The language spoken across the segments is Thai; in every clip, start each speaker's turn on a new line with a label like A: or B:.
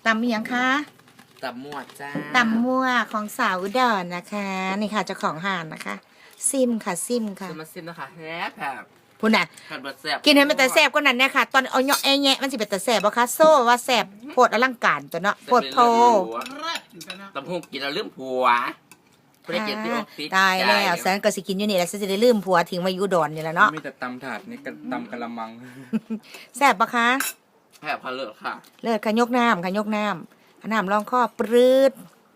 A: ำยังคะ
B: ตำมั่วจ้า
A: ตำมั่วของสาวอุดรนะคะนี่ค่ะเจ้าของห่านนะคะซิมค่ะซิมค่ะ
B: จะมาซิมนะคะแซ่บแบบ
A: พูดน่ะ
B: ขัดบดแซ่บ
A: กินให้มันแต่แซ่บก็นั่นเนี่ยค่ะตอนเอาเนาะแงะมันสิเป็นแต่แซ่บบ่คะโซ่ว่าแซ่บโพดอลังการตัวเนาะโพดโพ
B: ตำหุ่งกินแล้วลืมผัวไม่ได้กินที่ออฟฟิศ
A: ตายแล้วแสนก็สิกินอยู่นี่แหละจะได้ลืมผัวทิ้งไว้อยู่อุดรนี่แหละเนาะ
C: มีแต่ตำถาดนี่ก็ตำกะละมัง
A: แซ่บปะคะ
B: แซ่บพะเลิศค่ะ
A: เลิศค่ะยกน้ำค่ะยกน้ำน้ำรองข้อปรืด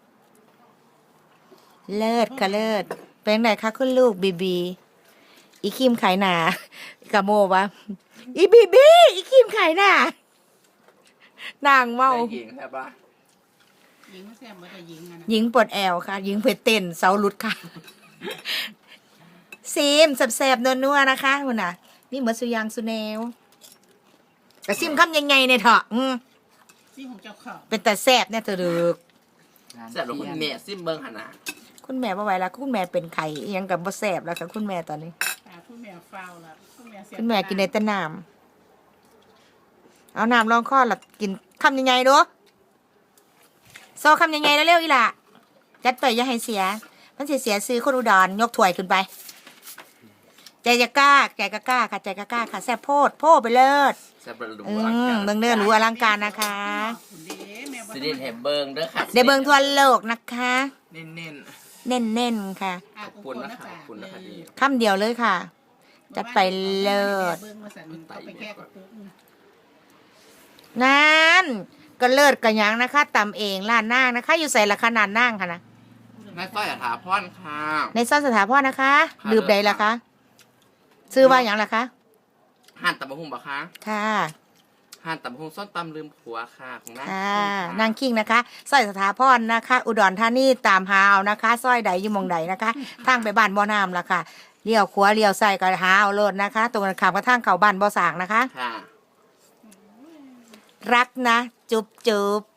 A: เลิศค่ะเลิศเป็นไงคะคุณลูกบีบีอีคิมขายหนากะโมวะอีบีบีอีคิมขายหนานางเมา
B: หญิงใช่ปะ
D: หญิงไม่แซ่บเหมือนกับหญิงอะนะ
A: หญิงปวดแอวค่ะหญิงเพชรเต้นเสาหลุดค่ะซิมแสบๆนัวๆนะคะคุณน่ะนี่เหมือนสุยางสุแนวแต่ซิมคำยังไงเนี่ยเถอะ
D: ที่ของเจ้าของ
A: เป็นแต่แสบเนี่ยเถอะดึก
B: แซ่บหรือคุณแม่ซิมเบิ้งขนาด
A: คุณแม่บ่ไหวแล้วคุณแม่เป็นไข่ยังกับบ่แสบแล้วค่ะคุณแม่ตอนนี้
D: คุณแม่ฟาวแล้วคุณแม่เสีย
A: คุณแม่กินในแต่น้ำเอาน้ำรองข้อละกินคำยังไงดูโซ่คำยังไงแล้วเร็วอีหล่ะจัดไปอย่าให้เสียมันเสียซื้อคนอุดรยกถ้วยขึ้นไปใจจะกล้าใจก็กล้าค่ะใจก็กล้าค่ะแซ่บโพดไปเลิศ
B: แซ่บหรู
A: เบิ่งเนื้อหรูอลังการนะคะ
B: สิเด่นเห็บเบิ้งเด้อค่ะ
A: เดี๋ยวเบิ่งทั่วโลกนะคะ
B: เน้น
A: เน้นๆค่ะ
B: ขอบคุณนะคะขอบคุณนะคะดี
A: คำเดียวเลยค่ะจัดไปเลิศนั่นก็เลิศกันยังนะคะตำเองร้านนางนะคะ อยู่ใส่ละขนาดนางค่ะนะ
B: ในซอยสถาพรค่ะ
A: ในซอยสถาพรนะคะลืมใดล่ะคะซื้อว่าอย่างล่ะคะ
B: ห่านตำบะหุ่งบะคะ
A: ค่ะ
B: ห่านตำบะหุ่งส้นตำลืมผัวค่ะของนาง
A: นางคิงนะคะซอยสถาพรนะคะ อุดรธานีตามหาเอานะคะซอยใดอยู่มองใดนะคะทางไปบ้านบ่อน้ำล่ะค่ะเลี้ยวขวาเลี้ยวซ้ายก็หาเอาโลดนะคะตรงกันข้ามกับทางเข้าบ้านบ่อสางนะคะ
B: ค่ะ
A: รักนะจุ๊บ